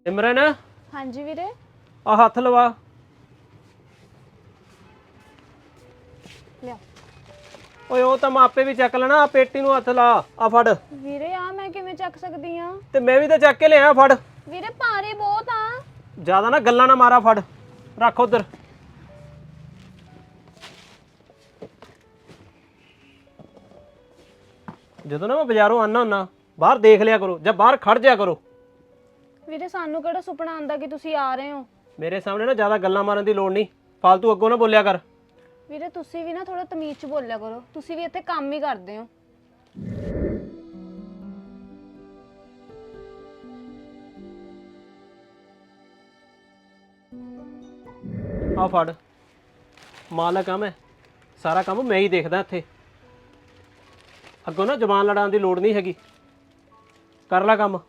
सिमरन हाँ जी वीरे। आ हथ लवा। लिया ਓਏ ਉਹ ਤਾਂ ਮੈਂ ਆਪੇ ਵੀ ਚੱਕ ਲੈਣਾ। ਆ ਪੇਟੀ ਨੂੰ ਹੱਥ ਲਾ। ਆ ਫੜ। ਵੀਰੇ ਆ ਮੈਂ ਕਿਵੇਂ ਚੱਕ ਸਕਦੀ ਆ? ਤੇ ਮੈਂ ਵੀ ਤਾਂ ਚੱਕ ਕੇ ਲਿਆ। ਫੜ। ਵੀਰੇ ਭਾਰੀ ਬਹੁਤ ਆ। ਜ਼ਿਆਦਾ ਨਾ ਗੱਲਾਂ ਨਾ ਮਾਰਾ। ਫੜ ਰੱਖ ਉਧਰ। ਜਦੋਂ ਨਾ ਮੈਂ ਬਾਜ਼ਾਰੋਂ ਆਨਾ ਹੁੰਨਾ ਬਾਹਰ ਦੇਖ ਲਿਆ ਕਰੋ ਜਾਂ ਬਾਹਰ ਖੜ ਜਾ ਕਰੋ। ਵੀਰੇ ਸਾਨੂੰ ਕਿਹੜਾ ਸੁਪਨਾ ਆਂਦਾ ਕਿ ਤੁਸੀਂ ਆ ਰਹੇ ਹੋ? ਮੇਰੇ ਸਾਹਮਣੇ ਨਾ ਜ਼ਿਆਦਾ ਗੱਲਾਂ ਮਾਰਨ ਦੀ ਲੋੜ ਨਹੀਂ। ਫालतू ਅੱਗੋਂ ਨਾ ਬੋਲਿਆ ਕਰ। ਵੀਰੇ ਤੁਸੀਂ ਵੀ ਨਾ ਥੋੜਾ ਤਮੀਜ਼ ਚ ਬੋਲਿਆ ਕਰੋ। ਤੁਸੀਂ ਵੀ ਇੱਥੇ ਕੰਮ ਹੀ ਕਰਦੇ ਹੋ। ਆ ਫੜ। ਮਾਲਕ ਆ ਮੈਂ। ਸਾਰਾ ਕੰਮ ਮੈਂ ਹੀ ਦੇਖਦਾ ਇੱਥੇ। ਅੱਗੋਂ ਨਾ ਜ਼ਬਾਨ ਲੜਾਉਣ ਦੀ ਲੋੜ ਨਹੀਂ ਹੈਗੀ। ਕਰ ਲੈ ਕੰਮ।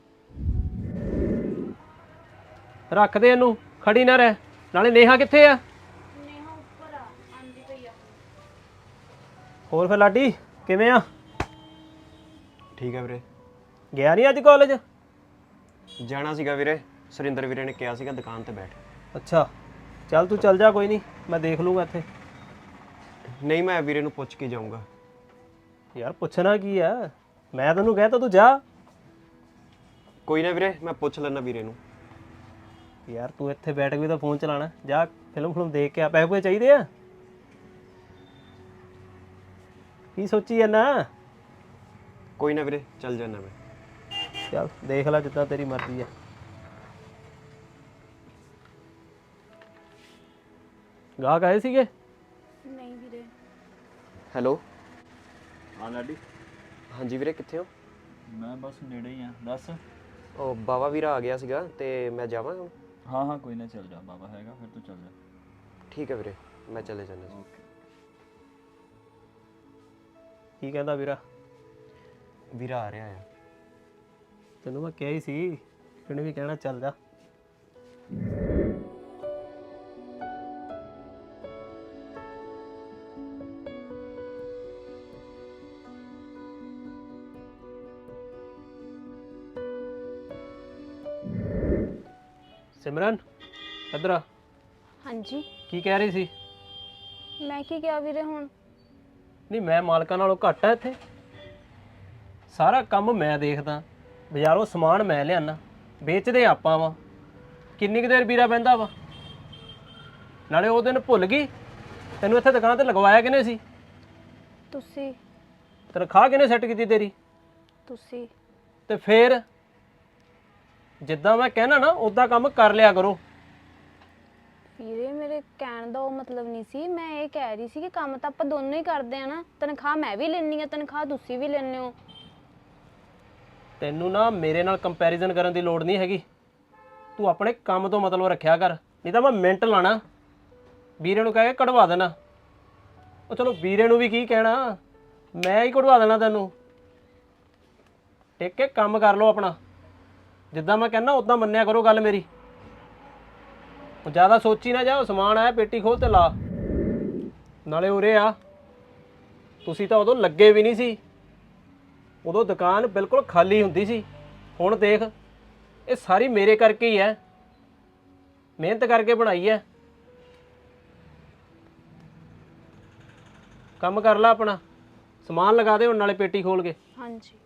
ਰੱਖ ਦੇ ਇਹਨੂੰ। ਖੜੀ ਨਾ ਰਹਿ। ਨਾਲੇ ਨੇਹਾ ਕਿੱਥੇ ਆ? ਨੇਹਾ ਉੱਪਰ ਆ, ਆਂਦੀ ਪਈ ਆ। ਹੋਰ ਫਿਰ ਲਾਡੀ ਕਿਵੇਂ ਆ? ਠੀਕ ਹੈ ਵੀਰੇ। ਗਿਆ ਨਹੀਂ ਅੱਜ ਕਾਲਜ? ਜਾਣਾ ਸੀਗਾ ਵੀਰੇ, ਸੁਰਿੰਦਰ ਵੀਰੇ ਨੇ ਕਿਹਾ ਸੀਗਾ ਦੁਕਾਨ ਤੇ ਬੈਠ। ਅੱਛਾ ਚੱਲ ਤੂੰ ਚੱਲ ਜਾ, ਕੋਈ ਨਹੀਂ ਮੈਂ ਦੇਖ ਲੂੰਗਾ ਇੱਥੇ। ਨਹੀਂ ਮੈਂ ਵੀਰੇ ਨੂੰ ਪੁੱਛ ਕੇ ਜਾਊਂਗਾ। ਯਾਰ ਪੁੱਛਣਾ ਕੀ ਆ, ਮੈਂ ਤੈਨੂੰ ਕਹਿ ਤਾ ਤੂੰ ਜਾ। ਕੋਈ ਨਾ ਵੀਰੇ, ਮੈਂ ਪੁੱਛ ਲੈਣਾ ਵੀਰੇ ਨੂੰ। ਯਾਰ ਤੂੰ ਇੱਥੇ ਬੈਠ ਕੇ ਵੀ ਤਾਂ ਫੋਨ ਚਲਾਣਾ। ਜਾ ਫਿਲਮ ਦੇਖ ਕੇ ਆ। ਪੈਸੇ ਪੂਸੇ ਚਾਹੀਦੇ ਆ? ਕੀ ਸੋਚੀ ਜਾਂਦਾ? ਕੋਈ ਨਾ ਵੀਰੇ, ਚੱਲ ਜਾਣਾ ਮੈਂ। ਚੱਲ ਦੇਖ ਲੈ ਜਿੱਦਾਂ ਤੇਰੀ ਮਰਜ਼ੀ ਆ। ਗਾਹਕ ਆਏ ਸੀਗੇ? ਨਹੀਂ ਵੀਰੇ। ਹੈਲੋ। ਹਾਂ ਲਾਡੀ। ਹਾਂਜੀ ਵੀਰੇ, ਕਿੱਥੇ ਹੋ? ਮੈਂ ਬਸ ਨੇੜੇ ਹੀ ਆ, ਦੱਸ। ਉਹ ਬਾਵਾ ਵੀਰਾ ਆ ਗਿਆ ਸੀਗਾ ਤੇ ਮੈਂ ਜਾਵਾਂ ਹੁਣ? ਹਾਂ ਕੋਈ ਨਾ, ਚੱਲ ਜਾ। ਬਾਬਾ ਹੈਗਾ ਫਿਰ ਤੂੰ ਚੱਲ ਜਾ। ਠੀਕ ਹੈ ਵੀਰੇ, ਮੈਂ ਚਲੇ ਜਾਣਾ ਜੀ। ਓਕੇ। ਕੀ ਕਹਿੰਦਾ ਵੀਰਾ? ਵੀਰਾ ਆ ਰਿਹਾ ਆ। ਤੈਨੂੰ ਮੈਂ ਕਿਹਾ ਹੀ ਸੀ, ਕਿਹਨੇ ਵੀ ਕਹਿਣਾ ਚੱਲ ਜਾ। ਸਿਮਰਨ ਇੱਧਰ ਆ। हाँ जी। ਕੀ ਕਹਿ ਰਹੀ ਸੀ? मैं की किया वीरे हुण? ਨਹੀਂ ਮੈਂ ਮਾਲਕਾਂ ਨਾਲੋਂ ਘੱਟ ਆ ਇੱਥੇ? ਸਾਰਾ ਕੰਮ ਮੈਂ ਦੇਖਦਾ, ਬਾਜ਼ਾਰੋਂ ਸਮਾਨ ਮੈਂ ਲਿਆਣਾ, ਵੇਚਦੇ ਆਪਾਂ ਵਾ। ਕਿੰਨੀ ਕੁ ਦੇਰ ਵੀਰਾ ਬਹਿੰਦਾ ਵਾ? ਨਾਲੇ ਉਹ ਦਿਨ ਭੁੱਲ ਗਈ ਤੈਨੂੰ ਇੱਥੇ ਦੁਕਾਨ ਤੇ ਲਗਵਾਇਆ ਕਿਹਨੇ ਸੀ? तुसी ਤਨਖਾਹ ਕਿਹਨੇ ਸੈੱਟ ਕੀਤੀ ਤੇਰੀ? तुसी ਤੇ ਫੇਰ ਜਿੱਦਾਂ ਮੈਂ ਕਹਿਣਾ ਨਾ ਉਦਾਂ ਕੰਮ ਕਰ ਲਿਆ ਕਰੋ। ਵੀਰੇ ਮੇਰੇ ਕਹਿਣ ਦਾ ਉਹ ਮਤਲਬ ਨਹੀਂ ਸੀ। ਮੈਂ ਇਹ ਕਹਿ ਰਹੀ ਸੀ ਕਿ ਕੰਮ ਤਾਂ ਆਪਾਂ ਦੋਨੋਂ ਹੀ ਕਰਦੇ ਆ ਨਾ। ਤਨਖਾਹ ਮੈਂ ਵੀ ਲੈਣੀ ਆ, ਤਨਖਾਹ ਤੁਸੀਂ ਵੀ ਲੈਣੇ ਹੋ। ਤੈਨੂੰ ਨਾ ਮੇਰੇ ਨਾਲ ਕੰਪੈਰੀਜ਼ਨ ਕਰਨ ਦੀ ਲੋੜ ਨਹੀਂ ਹੈਗੀ। ਤੂੰ ਆਪਣੇ ਕੰਮ ਤੋਂ ਮਤਲਬ ਰੱਖਿਆ ਕਰ, ਨਹੀਂ ਤਾਂ ਮੈਂ ਮਿੰਟ ਲਾਣਾ। ਵੀਰੇ ਨੂੰ ਕਹਿ ਕੇ ਕਢਵਾ ਦੇਣਾ। ਉਹ ਚਲੋ ਵੀਰੇ ਨੂੰ ਵੀ ਕੀ ਕਹਿਣਾ, ਮੈਂ ਹੀ ਕਢਵਾ ਦੇਣਾ ਤੈਨੂੰ। ਟਿਕ ਕੇ ਕੰਮ ਕਰ ਲਓ ਆਪਣਾ। ਜਿੱਦਾਂ ਮੈਂ ਕਹਿੰਦਾ ਉਦਾਂ ਮੰਨਿਆ ਕਰੋ ਗੱਲ ਮੇਰੀ। ਉਹ ਜ਼ਿਆਦਾ ਸੋਚੀ ਨਾ ਜਾ। ਸਮਾਨ ਆਇਆ ਪੇਟੀ ਖੋਲ ਤੇ ਲਾ। ਨਾਲੇ ਉਰੇ ਆ, ਤੁਸੀਂ ਤਾਂ ਉਦੋਂ ਲੱਗੇ ਵੀ ਨਹੀਂ ਸੀ। ਉਦੋਂ ਦੁਕਾਨ ਬਿਲਕੁਲ ਖਾਲੀ ਹੁੰਦੀ ਸੀ। ਹੁਣ ਦੇਖ, ਇਹ ਸਾਰੀ ਮੇਰੇ ਕਰਕੇ ਹੀ ਹੈ। ਮਿਹਨਤ ਕਰਕੇ ਬਣਾਈ ਹੈ। ਕੰਮ ਕਰ ਲੈ ਆਪਣਾ। ਸਮਾਨ ਲਗਾ ਦੇ ਹੁਣ ਨਾਲੇ ਪੇਟੀ ਖੋਲ ਕੇ। हाँ जी।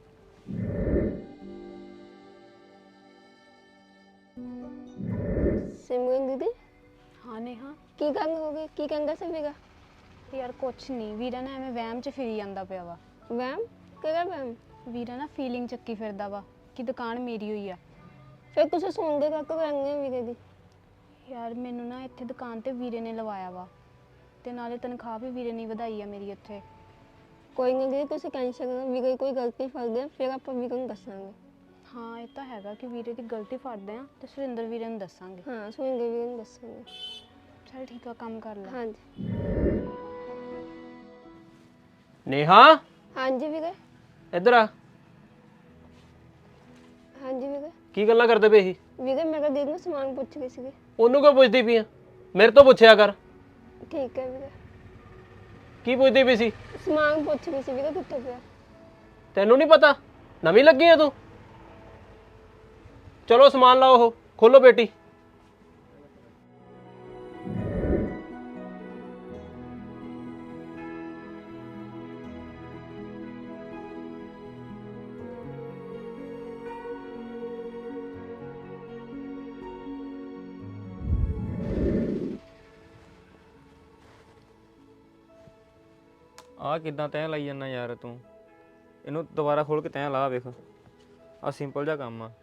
सिमरन दीदी हाँ नेहा। की गंग हो गई की गंगा से फिगा ਯਾਰ ਕੁਛ ਨਹੀਂ, ਵੀਰਾ ਨਾ ਐਵੇਂ ਵਹਿਮ ਚ ਫਿਰੀ ਜਾਂਦਾ ਪਿਆ ਵਾ। वैम केगा वैम ਵੀਰਾ ਨਾ ਫੀਲਿੰਗ ਚੱਕੀ ਫਿਰਦਾ ਵਾ ਕਿ ਦੁਕਾਨ ਮੇਰੀ ਹੋਈ ਆ। फिर तुझे सोन दे का वैंगे वीरे दी ਯਾਰ ਮੈਨੂੰ ਨਾ ਇੱਥੇ ਦੁਕਾਨ ਤੇ ਵੀਰੇ ਨੇ ਲਵਾਇਆ ਵਾ, ਤੇ ਨਾਲੇ ਤਨਖਾਹ ਵੀ ਵੀਰੇ ਨੇ ਵਧਾਈ ਆ ਮੇਰੀ ਇੱਥੇ। कोई नहीं दीदी तुझे टेंशन करो वीरे कोई गलती फल दे फिर आप वीरे को दसांगे। ਹਾਂ ਇਹ ਤਾਂ ਹੈਗਾ ਕਿ ਵੀਰੇ ਦੀ ਗਲਤੀ ਫੜਦੇ ਆ ਤੇ ਸੁਰਿੰਦਰ ਵੀਰੇ ਨੂੰ ਦੱਸਾਂਗੇ। हाँ सुनेंगे वीरे को दसांगे। ਚਲ ਠੀਕ ਆ, ਕੰਮ ਕਰ ਲੈ। हाँ जी ਨੇਹਾ हाँ जी वीरे ਇੱਧਰ ਆ। हाँ जी वीरे ਕੀ ਗੱਲਾਂ ਕਰਦੇ ਪਏ ਸੀ? वीरे मेरा दीदी ने सामान पूछ गई सी। ਉਹਨੂੰ ਕਿਉਂ ਪੁੱਛਦੀ ਪਈ ਆ? ਮੇਰੇ ਤੋਂ ਪੁੱਛਿਆ ਕਰ। ठीक है वीरे ਕੀ ਪੁੱਛਦੀ ਪਈ ਸੀ? सामान पूछ गई सी वीरे कितने पे ਤੈਨੂੰ ਨਹੀਂ ਪਤਾ? ਨਵੀਂ ਲੱਗੀ ਆ ਤੂੰ? ਚਲੋ ਸਮਾਨ ਲਾਓ ਉਹ। ਖੋਲੋ ਪੇਟੀ। ਆ ਕਿੱਦਾਂ ਤੈਂ ਲਾਈ ਜਾਂਦਾ ਯਾਰ ਤੂੰ? ਇਹਨੂੰ ਦੁਬਾਰਾ ਖੋਲ ਕੇ ਤੈਂ ਲਾ ਵੇਖ। ਆ ਸਿੰਪਲ ਜਿਹਾ ਕੰਮ ਆ।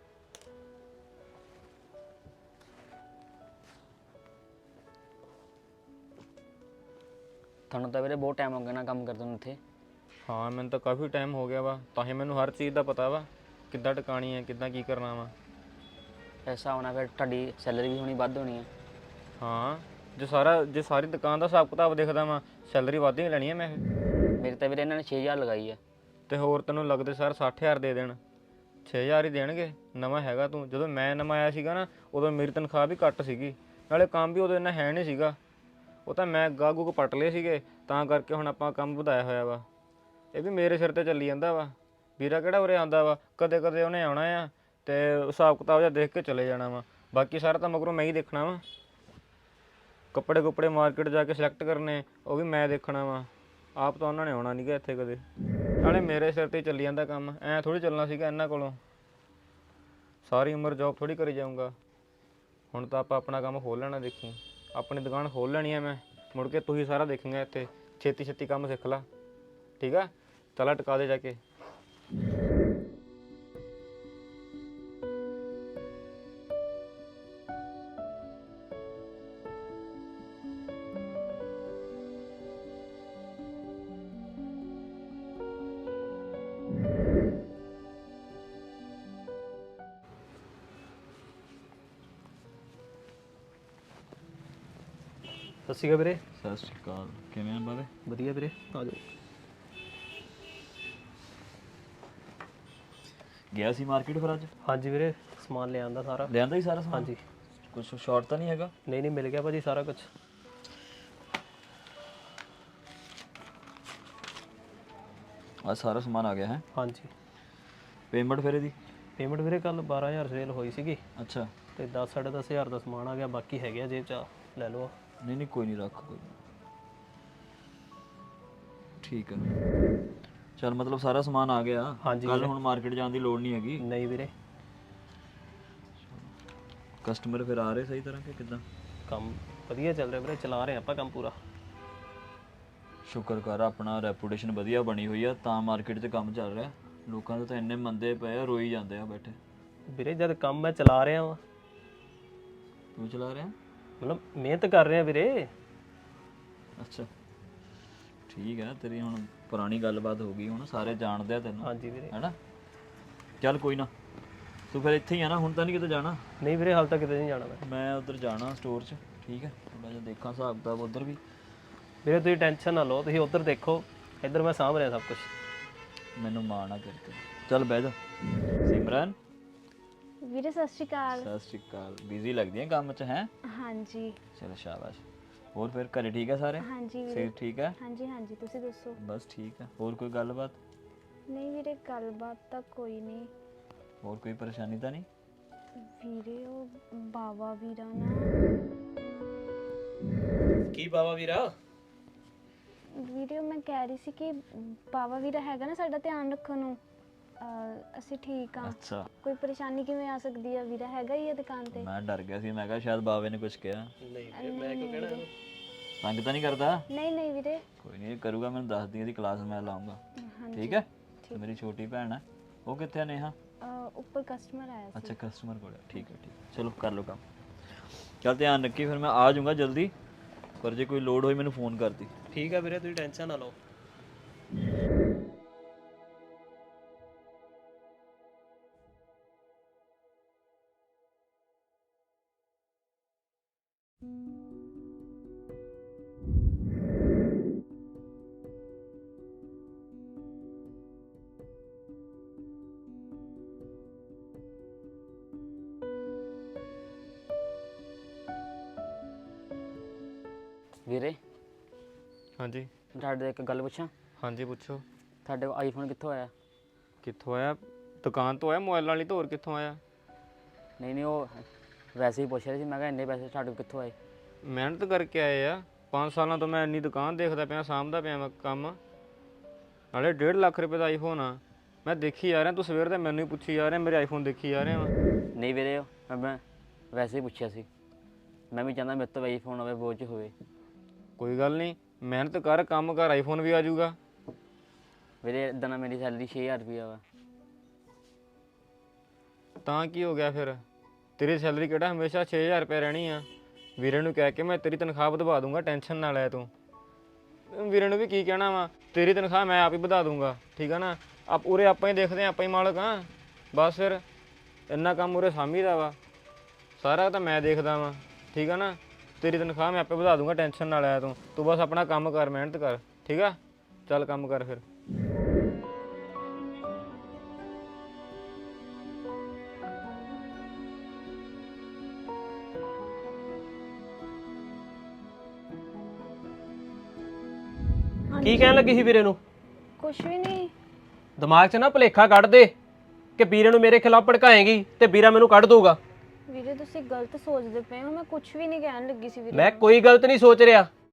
ਤੁਹਾਨੂੰ ਤਾਂ ਵੀਰੇ ਬਹੁਤ ਟਾਈਮ ਹੋ ਗਿਆ ਨਾ ਕੰਮ ਕਰਦੇ ਨੂੰ ਇੱਥੇ। ਹਾਂ ਮੈਨੂੰ ਤਾਂ ਕਾਫੀ ਟਾਈਮ ਹੋ ਗਿਆ ਵਾ, ਤਾਂ ਹੀ ਮੈਨੂੰ ਹਰ ਚੀਜ਼ ਦਾ ਪਤਾ ਵਾ ਕਿੱਦਾਂ ਟਿਕਾਣੀ ਹੈ, ਕਿੱਦਾਂ ਕੀ ਕਰਨਾ ਵਾ। ਐਸਾ ਹੋਣਾ ਫਿਰ ਤੁਹਾਡੀ ਸੈਲਰੀ ਵੀ ਹੋਣੀ ਵੱਧ ਹੋਣੀ ਹੈ। ਹਾਂ ਜੇ ਸਾਰੀ ਦੁਕਾਨ ਦਾ ਹਿਸਾਬ ਕਿਤਾਬ ਦੇਖਦਾ ਵਾ, ਸੈਲਰੀ ਵੱਧ ਹੀ ਲੈਣੀ ਹੈ ਮੈਂ। ਮੇਰੇ ਤਾਂ ਵੀਰੇ ਇਹਨਾਂ ਨੇ 6000 ਲਗਾਈ ਹੈ। ਤੇ ਹੋਰ ਤੈਨੂੰ ਲੱਗਦੇ ਸਰ 60000 ਦੇ ਦੇਣ? 6000 ਹੀ ਦੇਣਗੇ। ਨਵਾਂ ਹੈਗਾ ਤੂੰ, ਜਦੋਂ ਮੈਂ ਨਵਾਂ ਆਇਆ ਸੀਗਾ ਨਾ ਉਦੋਂ ਮੇਰੀ ਤਨਖਾਹ ਵੀ ਘੱਟ ਸੀਗੀ, ਨਾਲੇ ਕੰਮ ਵੀ ਉਦੋਂ ਇੰਨਾ ਹੈ ਨਹੀਂ ਸੀਗਾ। ਉਹ ਤਾਂ ਮੈਂ ਗਾਹਕ ਪੱਟ ਲਏ ਸੀਗੇ, ਤਾਂ ਕਰਕੇ ਹੁਣ ਆਪਾਂ ਕੰਮ ਵਧਾਇਆ ਹੋਇਆ ਵਾ। ਇਹ ਵੀ ਮੇਰੇ ਸਿਰ ਤੇ ਚੱਲੀ ਜਾਂਦਾ ਵਾ। ਵੀਰਾ ਕਿਹੜਾ ਉਰੇ ਆਉਂਦਾ ਵਾ, ਕਦੇ ਕਦੇ ਉਹਨੇ ਆਉਣਾ ਆ ਤੇ ਹਿਸਾਬ ਕਿਤਾਬ ਜਿਹਾ ਦੇਖ ਕੇ ਚਲੇ ਜਾਣਾ ਵਾ। ਬਾਕੀ ਸਾਰਾ ਤਾਂ ਮਗਰੋਂ ਮੈਂ ਹੀ ਦੇਖਣਾ ਵਾ। ਕੱਪੜੇ ਮਾਰਕੀਟ ਜਾ ਕੇ ਸਿਲੈਕਟ ਕਰਨੇ ਉਹ ਵੀ ਮੈਂ ਦੇਖਣਾ ਵਾ। ਆਪ ਤਾਂ ਉਹਨਾਂ ਨੇ ਆਉਣਾ ਨਹੀਂ ਗਾ ਇੱਥੇ ਕਦੇ। ਨਾਲੇ ਮੇਰੇ ਸਿਰ ਤੇ ਚੱਲੀ ਜਾਂਦਾ ਕੰਮ, ਐਂ ਥੋੜ੍ਹੀ ਚੱਲਣਾ ਸੀਗਾ ਇਹਨਾਂ ਕੋਲੋਂ। ਸਾਰੀ ਉਮਰ ਜੌਬ ਥੋੜ੍ਹੀ ਕਰੀ ਜਾਊਂਗਾ। ਹੁਣ ਤਾਂ ਆਪਾਂ ਆਪਣਾ ਕੰਮ ਖੋਲ੍ਹ ਲੈਣਾ। ਦੇਖੀ ਆਪਣੀ ਦੁਕਾਨ ਖੋਲ੍ਹ ਲੈਣੀ ਹੈ ਮੈਂ, ਮੁੜ ਕੇ ਤੂੰ ਹੀ ਸਾਰਾ ਦੇਖੇਂਗਾ ਇੱਥੇ। ਛੇਤੀ ਕੰਮ ਸਿੱਖ ਲਾ, ਠੀਕ ਆ? ਚਲਾ ਟਿਕਾ ਦੇ ਜਾ ਕੇ। ਸਤਿ ਸ਼੍ਰੀ ਅਕਾਲ ਵੀਰੇ। ਸਤਿ ਸ਼੍ਰੀ ਅਕਾਲ। ਕਿਵੇਂ ਆ ਬਾਵੇ? ਵਧੀਆ ਵੀਰੇ, ਆ ਜਾਓ। ਗਿਆ ਸੀ ਮਾਰਕੀਟ ਫਿਰ ਅੱਜ? ਹਾਂਜੀ ਵੀਰੇ, ਸਮਾਨ ਲਿਆਂਦਾ ਸਾਰਾ। ਲਿਆਂਦਾ ਹੀ ਸਾਰਾ ਸਮਾਨ? ਹਾਂਜੀ। ਕੁਝ ਸ਼ਾਰਟ ਤਾਂ ਨਹੀਂ ਹੈਗਾ? ਨਹੀਂ ਮਿਲ ਗਿਆ ਭਾਜੀ ਸਾਰਾ ਕੁਝ। ਆ ਸਾਰਾ ਸਮਾਨ ਆ ਗਿਆ ਹੈ? ਹਾਂਜੀ। ਪੇਮੈਂਟ ਫਿਰ ਇਹਦੀ? ਪੇਮੈਂਟ ਵੀਰੇ ਕੱਲ 12000 ਸੇਲ ਹੋਈ ਸੀਗੀ ਅੱਛਾ। ਤੇ 10-10.5 ਦਾ ਸਮਾਨ ਆ ਗਿਆ, ਬਾਕੀ ਹੈਗੇ ਆ ਜੇਬ 'ਚ, ਲੈ ਲਓ। ਨਹੀਂ ਕੋਈ ਨਹੀਂ, ਰੱਖ ਕੋਈ ਨੀ। ਠੀਕ ਹੈ, ਚਲ ਮਤਲਬ ਸਾਰਾ ਸਮਾਨ ਆ ਗਿਆ। ਹਾਂਜੀ ਕੱਲ ਹੁਣ ਮਾਰਕੀਟ ਜਾਣ ਦੀ ਲੋੜ ਨਹੀਂ ਹੈਗੀ? ਨਹੀਂ ਵੀਰੇ। ਕਸਟਮਰ ਫਿਰ ਆ ਰਹੇ ਸਹੀ ਤਰ੍ਹਾਂ ਕਿ ਕਿੱਦਾਂ? ਕੰਮ ਵਧੀਆ ਚੱਲ ਰਿਹਾ ਵੀਰੇ, ਚਲਾ ਰਹੇ ਆਪਾਂ ਕੰਮ ਪੂਰਾ। ਸ਼ੁਕਰ ਕਰ, ਆਪਣਾ ਰੈਪੂਟੇਸ਼ਨ ਵਧੀਆ ਬਣੀ ਹੋਈ ਆ ਤਾਂ ਮਾਰਕੀਟ 'ਚ ਕੰਮ ਚੱਲ ਰਿਹਾ। ਲੋਕਾਂ ਦੇ ਤਾਂ ਇੰਨੇ ਮੰਦੇ ਪਏ ਆ, ਰੋਈ ਜਾਂਦੇ ਆ ਬੈਠੇ। ਵੀਰੇ ਜਦ ਕੰਮ ਮੈਂ ਚਲਾ ਰਿਹਾ ਵਾਂ। ਤੂੰ ਚਲਾ ਰਿਹਾ? ਮਤਲਬ ਮਿਹਨਤ ਕਰ ਰਿਹਾ ਵੀਰੇ। ਅੱਛਾ ਠੀਕ ਹੈ, ਤੇਰੀ ਹੁਣ ਪੁਰਾਣੀ ਗੱਲਬਾਤ ਹੋ ਗਈ, ਹੁਣ ਸਾਰੇ ਜਾਣਦੇ ਆ ਤੈਨੂੰ। ਹਾਂਜੀ ਵੀਰੇ। ਹੈਨਾ? ਚੱਲ ਕੋਈ ਨਾ, ਤੂੰ ਫਿਰ ਇੱਥੇ ਹੀ ਆ ਨਾ, ਹੁਣ ਤਾਂ ਨਹੀਂ ਕਿਤੇ ਜਾਣਾ? ਨਹੀਂ ਵੀਰੇ, ਹਾਲ ਤੱਕ ਕਿਤੇ ਨਹੀਂ ਜਾਣਾ ਮੈਂ ਉੱਧਰ ਜਾਣਾ ਸਟੋਰ 'ਚ, ਠੀਕ ਹੈ? ਥੋੜਾ ਜਿਹਾ ਦੇਖਾਂ ਹਿਸਾਬ ਕਿਤਾਬ ਉੱਧਰ ਵੀ। ਵੀਰੇ ਤੁਸੀਂ ਟੈਨਸ਼ਨ ਨਾ ਲਓ, ਤੁਸੀਂ ਉੱਧਰ ਦੇਖੋ, ਇੱਧਰ ਮੈਂ ਸਾਂਭ ਰਿਹਾ ਸਭ ਕੁਝ। ਮੈਨੂੰ ਮਾਣ ਆ ਤੇਰੇ ਤੇ। ਚੱਲ ਬਹਿ ਜਾ। ਸਿਮਰਨ ਵੀਰੇ ਸਤਿ ਸ਼੍ਰੀ ਅਕਾਲ। ਸਤਿ ਸ਼੍ਰੀ ਅਕਾਲ। ਬਿਜ਼ੀ ਲੱਗਦੀ ਹੈ ਕੰਮ 'ਚ ਹੈ? ਹਾਂਜੀ। ਚਲ ਸ਼ਾਬਾਸ਼। ਹੋਰ ਫਿਰ ਘਰੇ ਠੀਕ ਹੈ ਸਾਰੇ? ਹਾਂਜੀ ਵੀਰੇ। ਸਿਹਤ ਠੀਕ ਹੈ? ਹਾਂਜੀ ਤੁਸੀਂ ਦੱਸੋ। ਬਸ ਠੀਕ ਹੈ। ਹੋਰ ਕੋਈ ਗੱਲਬਾਤ? ਨਹੀਂ ਵੀਰੇ, ਗੱਲਬਾਤ ਤਾਂ ਕੋਈ ਨਹੀਂ। ਹੋਰ ਕੋਈ ਪਰੇਸ਼ਾਨੀ ਤਾਂ ਨਹੀਂ? ਵੀਰੇ ਉਹ ਬਾਵਾ ਵੀਰਾ ਨਾ। ਕੀ ਬਾਵਾ ਵੀਰਾ? ਵੀਰੇ ਮੈਂ ਕਹਿ ਰਹੀ ਸੀ ਕਿ ਬਾਵਾ ਵੀਰਾ ਹੈਗਾ ਨਾ ਸਾਡਾ ਧਿਆਨ ਰੱਖਣ ਨੂੰ। ਅਸੀਂ ਠੀਕ ਆ। ਅੱਛਾ। ਕੋਈ ਪਰੇਸ਼ਾਨੀ ਕਿਵੇਂ ਆ ਸਕਦੀ ਆ? ਵੀਰਾ ਹੈਗਾ ਹੀ ਆ ਦੁਕਾਨ ਤੇ। ਮੈਂ ਡਰ ਗਿਆ ਸੀ, ਮੈਂ ਕਿਹਾ ਸ਼ਾਇਦ ਬਾਵੇ ਨੇ ਕੁਝ ਕਿਹਾ। ਨਹੀਂ ਵੀਰੇ, ਮੈਂ ਕਿਉਂ ਕਹਿਣਾ? ਤੰਗ ਤਾਂ ਨਹੀਂ ਕਰਦਾ? ਨਹੀਂ ਵੀਰੇ। ਕੋਈ ਨਹੀਂ, ਕਰੂਗਾ ਮੈਨੂੰ ਦੱਸ ਦੀ, ਇਹਦੀ ਕਲਾਸ ਮੈਂ ਲਾਉਂਗਾ। ਠੀਕ ਹੈ? ਤੇ ਮੇਰੀ ਛੋਟੀ ਭੈਣ ਹੈ, ਉਹ ਕਿੱਥੇ ਆ? ਨੇਹਾ ਉੱਪਰ ਕਸਟਮਰ ਆਇਆ ਸੀ। ਅੱਛਾ, ਕਸਟਮਰ ਕੋਲ। ਠੀਕ ਹੈ ਚਲੋ ਕਰ ਲਓ ਕੰਮ। ਚੱਲ ਧਿਆਨ ਰੱਖੀ, ਫਿਰ ਮੈਂ ਆ ਜਾਊਂਗਾ ਜਲਦੀ, ਪਰ ਜੇ ਕੋਈ ਲੋੜ ਹੋਈ ਮੈਨੂੰ ਫੋਨ ਕਰਦੀ। ਠੀਕ ਆ ਵੀਰੇ, ਤੁਸੀਂ ਟੈਨਸ਼ਨ ਨਾ ਲਓ। ਵੀਰੇ ਹਾਂਜੀ ਤੁਹਾਡੇ ਤੋਂ ਇੱਕ ਗੱਲ ਪੁੱਛਾਂ? ਹਾਂਜੀ ਪੁੱਛੋ। ਤੁਹਾਡੇ ਕੋਲ ਆਈਫੋਨ ਕਿੱਥੋਂ ਆਇਆ? ਕਿੱਥੋਂ ਆਇਆ? ਦੁਕਾਨ ਤੋਂ ਆਇਆ, ਮੋਬਾਈਲ ਵਾਲੀ ਤੋਂ। ਹੋਰ ਕਿੱਥੋਂ ਆਇਆ? ਨਹੀਂ ਉਹ ਵੈਸੇ ਹੀ ਪੁੱਛ ਰਿਹਾ ਸੀ, ਮੈਂ ਕਿਹਾ ਇੰਨੇ ਪੈਸੇ ਤੁਹਾਡੇ ਕੋਲ ਕਿੱਥੋਂ ਆਏ? ਮਿਹਨਤ ਕਰਕੇ ਆਏ ਆ। 5 ਸਾਲਾਂ ਤੋਂ ਮੈਂ ਇੰਨੀ ਦੁਕਾਨ ਦੇਖਦਾ ਪਿਆ, ਸਾਂਭਦਾ ਪਿਆ ਮੈਂ ਕੰਮ। ਨਾਲੇ 1.5 ਲੱਖ ਰੁਪਏ ਦਾ ਆਈਫੋਨ ਆ। ਮੈਂ ਦੇਖੀ ਜਾ ਰਿਹਾ, ਤੂੰ ਸਵੇਰ ਦਾ ਮੈਨੂੰ ਹੀ ਪੁੱਛੀ ਜਾ ਰਿਹਾ, ਮੇਰੇ ਆਈਫੋਨ ਦੇਖੀ ਜਾ ਰਿਹਾ ਵਾ। ਨਹੀਂ ਵੀਰੇ, ਮੈਂ ਵੈਸੇ ਹੀ ਪੁੱਛਿਆ ਸੀ। ਮੈਂ ਵੀ ਚਾਹੁੰਦਾ ਮੇਰੇ ਤੋਂ ਆਈਫੋਨ ਹੋਵੇ, ਬੋਝ ਹੋਵੇ। ਕੋਈ ਗੱਲ ਨਹੀਂ, ਮਿਹਨਤ ਕਰ, ਕੰਮ ਕਰ, ਆਈਫੋਨ ਵੀ ਆ ਜਾਊਗਾ। ਵੀਰੇ ਇਦਾਂ ਨਾ ਮੇਰੀ ਸੈਲਰੀ 6000 ਰੁਪਇਆ ਵਾ। ਤਾਂ ਕੀ ਹੋ ਗਿਆ ਫਿਰ? ਤੇਰੀ ਸੈਲਰੀ ਕਿਹੜਾ ਹਮੇਸ਼ਾ 6000 ਰੁਪਏ ਰਹਿਣੀ ਆ? ਵੀਰੇ ਨੂੰ ਕਹਿ ਕੇ ਮੈਂ ਤੇਰੀ ਤਨਖਾਹ ਵਧਵਾ ਦੂੰਗਾ, ਟੈਨਸ਼ਨ ਨਾ ਲੈ ਤੂੰ। ਵੀਰੇ ਨੂੰ ਵੀ ਕੀ ਕਹਿਣਾ ਵਾ, ਤੇਰੀ ਤਨਖਾਹ ਮੈਂ ਆਪ ਹੀ ਵਧਾ ਦੂੰਗਾ, ਠੀਕ ਆ ਨਾ? ਉਰੇ ਆਪਾਂ ਹੀ ਦੇਖਦੇ ਆ, ਆਪਾਂ ਹੀ ਮਾਲਕ ਆ। ਬਸ ਫਿਰ ਇੰਨਾ ਕੰਮ ਉਰੇ ਸਾਮੀ ਦਾ ਵਾ, ਸਾਰਾ ਤਾਂ ਮੈਂ ਦੇਖਦਾ ਵਾਂ, ਠੀਕ ਆ ਨਾ? ਤੇਰੀ ਤਨਖਾਹ ਮੈਂ ਆਪੇ ਵਧਾ ਦੂੰਗਾ, ਟੈਨਸ਼ਨ ਨਾ ਲੈ ਤੂੰ ਬਸ ਆਪਣਾ ਕੰਮ ਕਰ, ਮਿਹਨਤ ਕਰ, ਠੀਕ ਆ? ਚੱਲ ਕੰਮ ਕਰ ਫਿਰ। ਕੀ ਕਹਿਣ ਲੱਗੀ ਸੀ ਵੀਰੇ ਨੂੰ? ਕੁਛ ਵੀ ਨਹੀਂ। ਦਿਮਾਗ 'ਚ ਨਾ ਭੁਲੇਖਾ ਕੱਢ ਦੇ ਕਿ ਵੀਰੇ ਨੂੰ ਮੇਰੇ ਖਿਲਾਫ ਭੜਕਾਏਗੀ ਤੇ ਵੀਰਾ ਮੈਨੂੰ ਕੱਢ ਦਊਗਾ। ਵੀਰੇ ਤੁਸੀਂ ਗਲਤ ਸੋਚਦੇ ਪਏ ਹੋ, ਮੈਂ ਕੁਛ ਵੀ ਨਹੀਂ ਕਹਿਣ ਲੱਗੀ ਸੀ ਵੀਰੇ ਮੈਂ ਨੂੰ। ਕੋਈ ਗਲਤ ਨਹੀਂ ਸੋਚ ਰਿਹਾ।